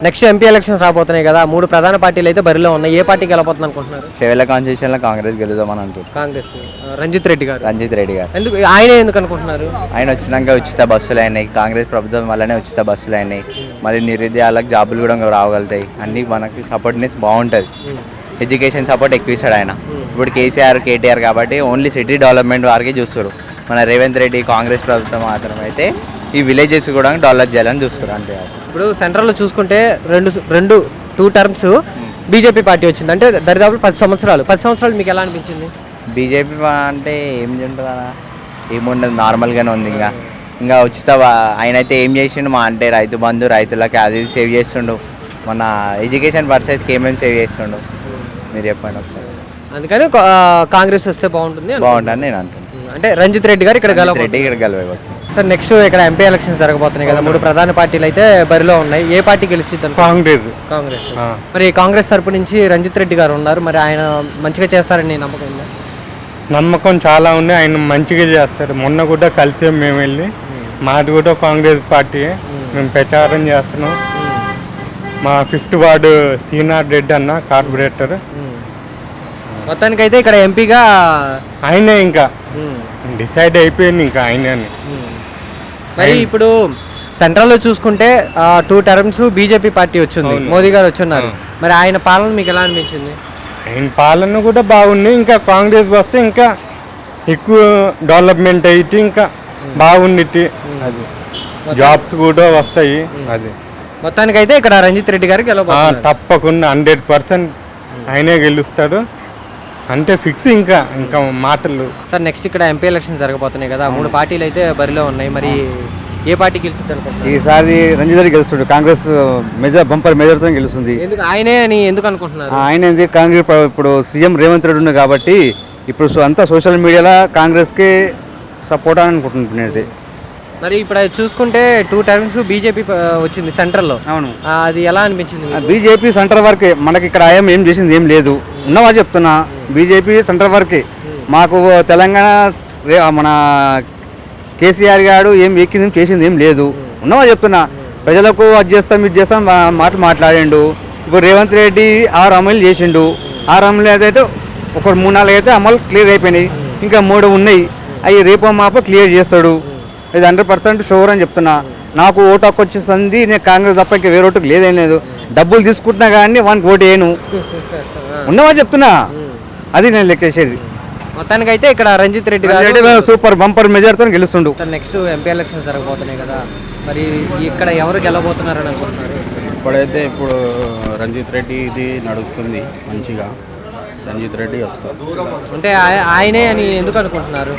Next MP elections రాబోతున్నాయి కదా, 3 ప్రధాన పార్టీలు అయితే బరిలో ఉన్నాయి. ఏ పార్టీకి వెళ్ళబోతుంది అనుకుంటున్నారు? చెవెళ్ళ కాన్స్టిట్యూషన్లో కాంగ్రెస్ గెలుద్దామని అనుకుంటున్నాను. కాంగ్రెస్. రంజిత్ రెడ్డి గారు. ఎందుకు ఆయనే ఎందుకు అనుకుంటున్నారు? ఆయన వచ్చినాక ఉచిత బస్సులు అయినాయి, కాంగ్రెస్ ప్రభుత్వం వల్లనే ఉచిత బస్సులు అయినాయి. మళ్ళీ నిరుద్యోగాలకు జాబులు కూడా రాగలుగుతాయి. అన్నీ మనకి సపోర్ట్నెస్ బాగుంటుంది. ఎడ్యుకేషన్ సపోర్ట్ ఎక్కువ ఇస్తాడు ఆయన. ఇప్పుడు కేసీఆర్ కేటీఆర్ కాబట్టి ఓన్లీ సిటీ డెవలప్మెంట్ వారికి చూస్తారు. మన రేవంత్ రెడ్డి కాంగ్రెస్ ప్రభుత్వం మాత్రం అయితే ఈ విలేజెస్ కూడా డెవలప్ చేయాలని చూస్తారు. అంతే. ఇప్పుడు సెంట్రల్లో చూసుకుంటే 2 టర్మ్స్ బీజేపీ పార్టీ వచ్చింది. అంటే దరిదాపు 10 సంవత్సరాలు మీకు ఎలా అనిపించింది? బీజేపీ అంటే ఏం ఉంటుందా, ఏముండదు, నార్మల్గానే ఉంది. ఇంకా ఉచిత ఆయన అయితే ఏం చేసిండు మా అంటే రైతు బంధు, రైతులకి అది సేవ్ చేస్తుండు. మన ఎడ్యుకేషన్ పర్సెస్కి ఏమేమి సేవ్ చేస్తుండు మీరు చెప్పండి ఒకసారి. అందుకని కాంగ్రెస్ వస్తే బాగుంటుంది నేను అంటున్నాను. అంటే రంజిత్ రెడ్డి గారు ఇక్కడ గెలవబోతుంది. సార్ నెక్స్ట్ ఇక్కడ ఎంపీ ఎలక్షన్స్ జరగబోతున్నాయి కదా, 3 ప్రధాన పార్టీలు అయితే బరిలో ఉన్నాయి. ఏ పార్టీ గెలుస్తుంది? కాంగ్రెస్. మరి కాంగ్రెస్ తరపు నుంచి రంజిత్ రెడ్డి గారు ఉన్నారు. మరి ఆయన మంచిగా చేస్తారని నమ్మకం ఉందా? నమ్మకం చాలా ఉంది. ఆయన మంచిగా చేస్తారు. మొన్న కూడా కలిసి మేము వెళ్ళి, మాది కూడా కాంగ్రెస్ పార్టీ, మేము ప్రచారం చేస్తున్నాం. మా 5th వార్డు శ్రీనాథ్ రెడ్డి అన్న కార్పొరేటర్. మొత్తానికైతే ఇక్కడ ఎంపీగా ఆయనే ఇంకా డిసైడ్ అయిపోయింది ఇంకా ఆయన. మరి ఇప్పుడు సెంట్రల్లో చూసుకుంటే 2 టర్మ్స్ బీజేపీ పార్టీ వచ్చింది, మోదీ గారు వచ్చున్నారు. మరి ఆయన పాలన మీకు ఎలా అనిపించింది? ఆయన పాలన కూడా బాగుంది. ఇంకా కాంగ్రెస్ వస్తే ఇంకా ఎక్కువ డెవలప్మెంట్ అయితే ఇంకా బాగుంది. అది జాబ్స్ కూడా వస్తాయి. అది మొత్తానికైతే ఇక్కడ రంజిత్ రెడ్డి గారికి తప్పకుండా 100% ఆయనే గెలుస్తాడు అంటే ఫిక్స్. ఇంకా మాటలు. సార్ నెక్స్ట్ ఇక్కడ ఎంపీ ఎలక్షన్ జరగబోతున్నాయి కదా, 3 పార్టీలు అయితే బరిలో ఉన్నాయి. మరి ఏ పార్టీ గెలుస్తుంది అనుకుంటున్నారు? ఈసారి రంజిత్ రెడ్డి గెలుస్తాడు. కాంగ్రెస్ బంపర్ మెజార్టీతో గెలుస్తుంది. ఆయనే అని ఎందుకు అనుకుంటున్నారు? ఆయన కాంగ్రెస్ ఇప్పుడు సీఎం రేవంత్ రెడ్డి ఉంది కాబట్టి ఇప్పుడు అంతా సోషల్ మీడియాలో కాంగ్రెస్కి సపోర్ట్ అని అనుకుంటున్నాను. మరి ఇప్పుడు చూసుకుంటే 2 టర్మ్స్ బీజేపీ వచ్చింది సెంట్రల్లో. అవును. అది ఎలా అనిపించింది? బీజేపీ సెంటర్ వరకే, మనకి ఇక్కడ ఏం చేసింది ఏం లేదు. ఉన్నవా చెప్తున్నా, బీజేపీ సెంటర్ వరకే. మాకు తెలంగాణ మన కేసీఆర్ గారు ఏం ఎక్కింది చేసింది ఏం లేదు. ఉన్నవా చెప్తున్నా, ప్రజలకు అది చేస్తాం ఇది చేస్తాం మాట్లాడిండు. ఇప్పుడు రేవంత్ రెడ్డి 6 అమలు చేసిండు. 6 అమలు అయితే ఒక 3-4 అయితే అమలు క్లియర్ అయిపోయినాయి. ఇంకా 3 ఉన్నాయి. అవి రేపో మాపో క్లియర్ చేస్తాడు. ఇది 100% షూర్ అని చెప్తున్నా. నాకు ఓటు హక్కు వచ్చేసింది. నేను కాంగ్రెస్ తప్ప ఇంకా వేరే ఓటుకు లేదేం లేదు. డబ్బులు తీసుకుంటున్నా కానీ వానికి ఓటు వేయను. ఉన్నవా చెప్తున్నా, అది నేను లెక్క చేసేది. మొత్తానికైతే ఇక్కడ రంజిత్ రెడ్డి గారు సూపర్ బంపర్ మెజార్టీతో గెలుస్తుండు. నెక్స్ట్ ఎంపీ ఎలక్షన్స్ జరగబోతున్నాయి కదా, మరి ఇక్కడ ఎవరు గెలవబోతున్నారని అనుకుంటున్నారు? ఇప్పుడైతే రంజిత్ రెడ్డి ఇది నడుస్తుంది మంచిగా. రంజిత్ రెడ్డి వస్తారు. అంటే ఆయనే అని ఎందుకు అనుకుంటున్నారు?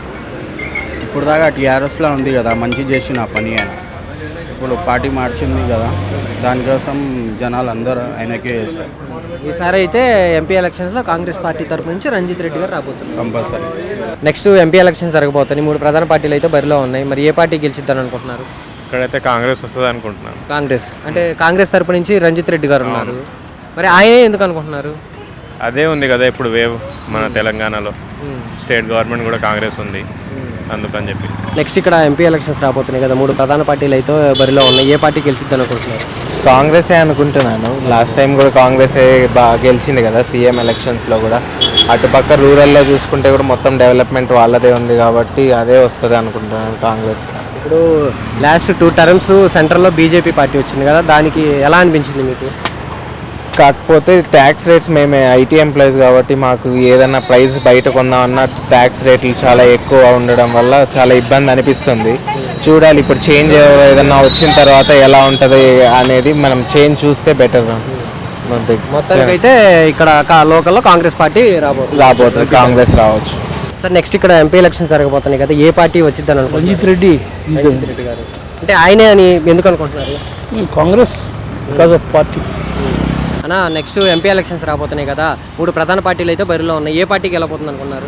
ఇప్పుడు దాకా టీఆర్ఎస్లో ఉంది కదా, మంచి చేసిన పని ఆయన. ఇప్పుడు పార్టీ మార్చింది కదా, దానికోసం జనాలు అందరూ ఆయనకే చేస్తారు. ఈసారి అయితే ఎంపీ ఎలక్షన్స్లో కాంగ్రెస్ పార్టీ తరపు నుంచి రంజిత్ రెడ్డి గారు రాబోతున్నారు కంపల్సరీ. నెక్స్ట్ ఎంపీ ఎలక్షన్స్ జరగబోతున్నాయి. 3 ప్రధాన పార్టీలు అయితే బరిలో ఉన్నాయి. మరి ఏ పార్టీ గెలిచిద్దని అనుకుంటున్నారు? ఇక్కడైతే కాంగ్రెస్ వస్తుంది అనుకుంటున్నాను. కాంగ్రెస్. అంటే కాంగ్రెస్ తరపు నుంచి రంజిత్ రెడ్డి గారు ఉన్నారు. మరి ఆయనే ఎందుకు అనుకుంటున్నారు? అదే ఉంది కదా ఇప్పుడు వేవ్ మన తెలంగాణలో. స్టేట్ గవర్నమెంట్ కూడా కాంగ్రెస్ ఉంది, అందుకని చెప్పి. నెక్స్ట్ ఇక్కడ ఎంపీ ఎలక్షన్స్ రాబోతున్నాయి కదా, 3 ప్రధాన పార్టీలు అయితే బరిలో ఉన్నాయి. ఏ పార్టీ గెలిచిద్ది అనుకుంటున్నారు? కాంగ్రెసే అనుకుంటున్నాను. లాస్ట్ టైం కూడా కాంగ్రెసే బాగా గెలిచింది కదా సీఎం ఎలక్షన్స్లో కూడా. అటుపక్క రూరల్లో చూసుకుంటే కూడా మొత్తం డెవలప్మెంట్ వాళ్ళదే ఉంది కాబట్టి అదే వస్తుంది అనుకుంటున్నాను, కాంగ్రెస్. ఇప్పుడు లాస్ట్ 2 టర్మ్స్ సెంట్రల్లో బీజేపీ పార్టీ వచ్చింది కదా, దానికి ఎలా అనిపించింది మీకు? కాకపోతే ట్యాక్స్ రేట్స్, మేమే ఐటీ ఎంప్లాయీస్ కాబట్టి మాకు ఏదైనా ప్రైస్ బయట కొందామన్నా ట్యాక్స్ రేట్లు చాలా ఎక్కువ ఉండడం వల్ల చాలా ఇబ్బంది అనిపిస్తుంది. చూడాలి ఇప్పుడు చేంజ్ ఏదైనా వచ్చిన తర్వాత ఎలా ఉంటుంది అనేది, మనం చేంజ్ చూస్తే బెటర్. మొత్తానికైతే ఇక్కడ లోకల్లో కాంగ్రెస్ పార్టీ రాబోతుంది, కాంగ్రెస్ రావచ్చు. సార్ నెక్స్ట్ ఇక్కడ ఎంపీ ఎలక్షన్స్ జరగబోతున్నాయి కదా, ఏ పార్టీ వచ్చిద్దని అనుకుంటున్నారు? రంజిత్ రెడ్డి గారు. అంటే ఆయనే అని ఎందుకు అనుకుంటున్నారు? Congress because of party. అన్న నెక్స్ట్ ఎంపీ ఎలక్షన్స్ రాబోతున్నాయి కదా, 3 ప్రధాన పార్టీలు అయితే బరిలో ఉన్నాయి. ఏ పార్టీకి వెళ్ళబోతుంది అనుకున్నారు?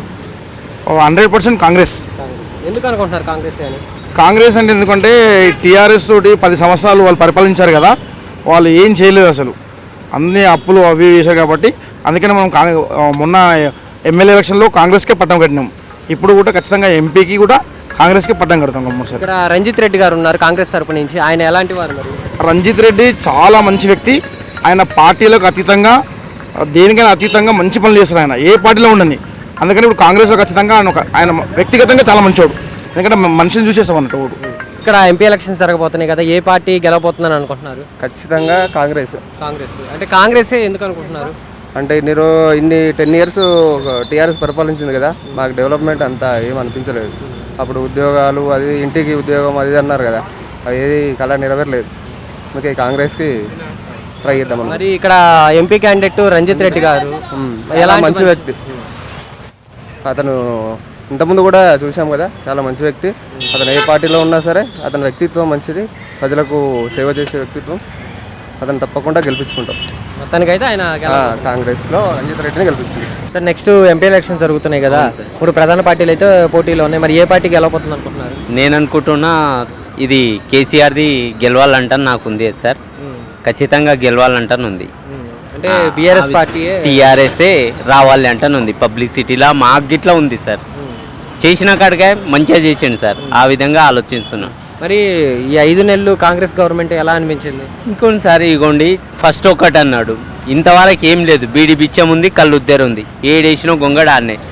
100% కాంగ్రెస్. ఎందుకు అనుకుంటున్నారు కాంగ్రెస్ అని? కాంగ్రెస్ అంటే ఎందుకంటే టీఆర్ఎస్ తోటి 10 సంవత్సరాలు వాళ్ళు పరిపాలించారు కదా, వాళ్ళు ఏం చేయలేదు అసలు. అన్ని అప్పులు అవి చేశారు కాబట్టి అందుకని మనం మొన్న ఎమ్మెల్యే ఎలక్షన్లో కాంగ్రెస్కే పట్టం కట్టినాం. ఇప్పుడు కూడా ఖచ్చితంగా ఎంపీకి కూడా కాంగ్రెస్కి పట్టం కడతాం కంపల్సరీ. ఇక్కడ రంజిత్ రెడ్డి గారు ఉన్నారు కాంగ్రెస్ తరపు నుంచి, ఆయన ఎలాంటి వారు మరి? రంజిత్ రెడ్డి చాలా మంచి వ్యక్తి. ఆయన పార్టీలకు అతీతంగా దేనికైనా అతీతంగా మంచి పనులు చేస్తారు. ఆయన ఏ పార్టీలో ఉండని. అందుకని ఇప్పుడు కాంగ్రెస్లో ఖచ్చితంగా ఆయన వ్యక్తిగతంగా చాలా మంచివాడు. ఎందుకంటే మనిషిని చూసేస్తాం అన్నట్టు ఓడు. ఇక్కడ ఎంపీ ఎలక్షన్స్ జరగబోతున్నాయి కదా, ఏ పార్టీ గెలవబోతుందని అనుకుంటున్నారు? ఖచ్చితంగా కాంగ్రెస్. కాంగ్రెస్ అంటే కాంగ్రెసే ఎందుకు అనుకుంటున్నారు? అంటే ఇన్ని 10 years టీఆర్ఎస్ పరిపాలించింది కదా, మాకు డెవలప్మెంట్ అంతా ఏం అనిపించలేదు. అప్పుడు ఉద్యోగాలు అది ఇంటికి ఉద్యోగం అది అన్నారు కదా, అది ఏది కళ నెరవేరలేదు. అందుకే కాంగ్రెస్కి ట్రై చేద్దాం. మరి ఇక్కడ ఎంపీ క్యాండిడేట్ రంజిత్ రెడ్డి గారు చాలా మంచి వ్యక్తి. అతను ఇంతకుముందు కూడా చూసాం కదా, చాలా మంచి వ్యక్తి. అతను ఏ పార్టీలో ఉన్నా సరే అతని వ్యక్తిత్వం మంచిది, ప్రజలకు సేవ చేసే వ్యక్తిత్వం. అతను తప్పకుండా గెలిపించుకుంటాం. మొత్తానికైతే ఆయన కాంగ్రెస్లో రంజిత్ రెడ్డిని గెలిపించుకుంటాం. సార్ నెక్స్ట్ ఎంపీ ఎలక్షన్స్ జరుగుతున్నాయి కదా, 3 ప్రధాన పార్టీలు అయితే పోటీలో ఉన్నాయి. మరి ఏ పార్టీ గెలవబోతుంది అనుకుంటున్నారు? నేను అనుకుంటున్నా ఇది కేసీఆర్ది గెలవాలంటాను నాకు ఉంది సార్. ఖచ్చితంగా గెలవాలంటాను ఉంది. అంటే బీఆర్ఎస్ పార్టీ టీఆర్ఎస్ఏ రావాలి అంటాను ఉంది. పబ్లిసిటీలా మాకు గిట్లా ఉంది సార్. చేసిన కాడికే మంచిగా చేసిండు సార్. ఆ విధంగా ఆలోచిస్తున్నాను. మరి ఈ 5 నెలలు కాంగ్రెస్ గవర్నమెంట్ ఎలా అనిపించింది? ఇంకొకసారి ఇగోండి, ఫస్ట్ ఒకటి అన్నాడు, ఇంతవరకు ఏం లేదు. బీడి బిచ్చం ఉంది, కళ్ళు ఉద్దరు ఉంది, ఏడేసినా గొంగడ ఆడినాయి.